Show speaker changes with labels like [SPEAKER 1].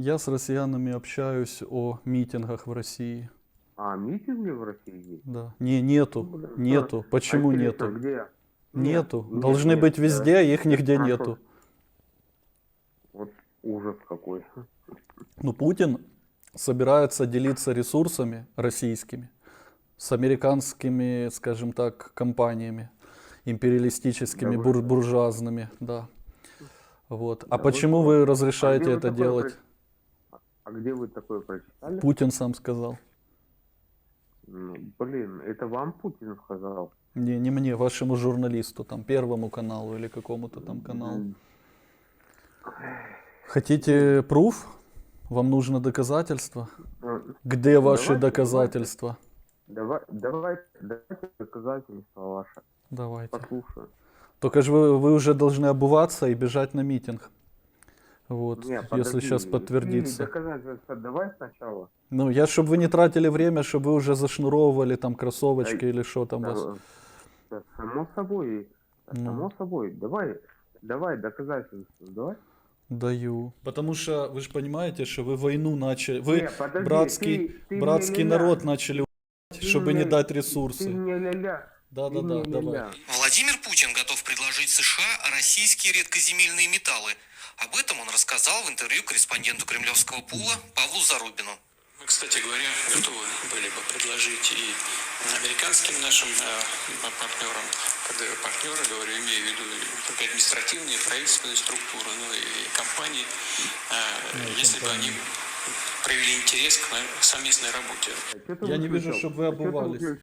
[SPEAKER 1] Я с россиянами общаюсь о митингах в России.
[SPEAKER 2] А митинги в России есть?
[SPEAKER 1] Да. Нету.
[SPEAKER 2] Ну, блин,
[SPEAKER 1] Нету.
[SPEAKER 2] а
[SPEAKER 1] Почему
[SPEAKER 2] интересно,
[SPEAKER 1] нету?
[SPEAKER 2] где? Нет,
[SPEAKER 1] Нету.
[SPEAKER 2] нет,
[SPEAKER 1] Должны
[SPEAKER 2] нет.
[SPEAKER 1] быть везде, а их
[SPEAKER 2] Я
[SPEAKER 1] нигде
[SPEAKER 2] спрашиваю,
[SPEAKER 1] нету.
[SPEAKER 2] вот ужас какой.
[SPEAKER 1] Ну, Путин собирается делиться ресурсами российскими с американскими, скажем так, компаниями, империалистическими,
[SPEAKER 2] Да вы что?
[SPEAKER 1] буржуазными, да. Вот. А
[SPEAKER 2] Да вы
[SPEAKER 1] почему
[SPEAKER 2] что?
[SPEAKER 1] вы
[SPEAKER 2] А где
[SPEAKER 1] разрешаете
[SPEAKER 2] вы
[SPEAKER 1] это
[SPEAKER 2] такое
[SPEAKER 1] делать?
[SPEAKER 2] А где вы такое прочитали?
[SPEAKER 1] Путин сам сказал.
[SPEAKER 2] Ну, блин, это вам Путин сказал?
[SPEAKER 1] Не мне, вашему журналисту, там, Первому каналу или какому-то там каналу.
[SPEAKER 2] М,
[SPEAKER 1] Хотите пруф? Вам нужно доказательства?
[SPEAKER 2] э,
[SPEAKER 1] Где
[SPEAKER 2] ну,
[SPEAKER 1] ваши
[SPEAKER 2] давайте,
[SPEAKER 1] доказательства?
[SPEAKER 2] давайте доказательства ваши.
[SPEAKER 1] Давайте.
[SPEAKER 2] Послушаю.
[SPEAKER 1] Только же вы уже должны обуваться и бежать на митинг. Вот,
[SPEAKER 2] Не,
[SPEAKER 1] если
[SPEAKER 2] подожди,
[SPEAKER 1] сейчас
[SPEAKER 2] ты
[SPEAKER 1] подтвердится.
[SPEAKER 2] доказательства давай сначала.
[SPEAKER 1] Ну, чтобы вы не тратили время, чтобы вы уже зашнуровывали там кроссовочки
[SPEAKER 2] Да,
[SPEAKER 1] или что там у вас.
[SPEAKER 2] да, само собой,
[SPEAKER 1] Ну,
[SPEAKER 2] само собой. Давай доказательства, давай.
[SPEAKER 1] даю. Потому что вы же понимаете, что вы войну начали, вы
[SPEAKER 2] Не, подожди, ты
[SPEAKER 1] братский
[SPEAKER 2] мне
[SPEAKER 1] народ
[SPEAKER 2] ля-ля.
[SPEAKER 1] начали
[SPEAKER 2] Ты
[SPEAKER 1] чтобы не
[SPEAKER 2] мне,
[SPEAKER 1] дать
[SPEAKER 2] ты
[SPEAKER 1] ресурсы.
[SPEAKER 2] мне ля-ля. Ты
[SPEAKER 1] Да-да-да,
[SPEAKER 2] мне
[SPEAKER 1] давай.
[SPEAKER 2] ля-ля.
[SPEAKER 3] Владимир Путин готов предложить США российские редкоземельные металлы. Об этом он рассказал в интервью корреспонденту кремлевского пула Павлу Зарубину.
[SPEAKER 4] Мы, кстати говоря, готовы были бы предложить и американским нашим партнерам, когда я партнеры говорю, имею в виду только административные, правительственные структуры, ну и компании, если бы они проявили интерес к совместной работе.
[SPEAKER 2] Чё ты
[SPEAKER 1] Я не вижу,
[SPEAKER 2] выключил?
[SPEAKER 1] чтобы вы
[SPEAKER 2] А чё ты
[SPEAKER 1] обувались.
[SPEAKER 2] выключил?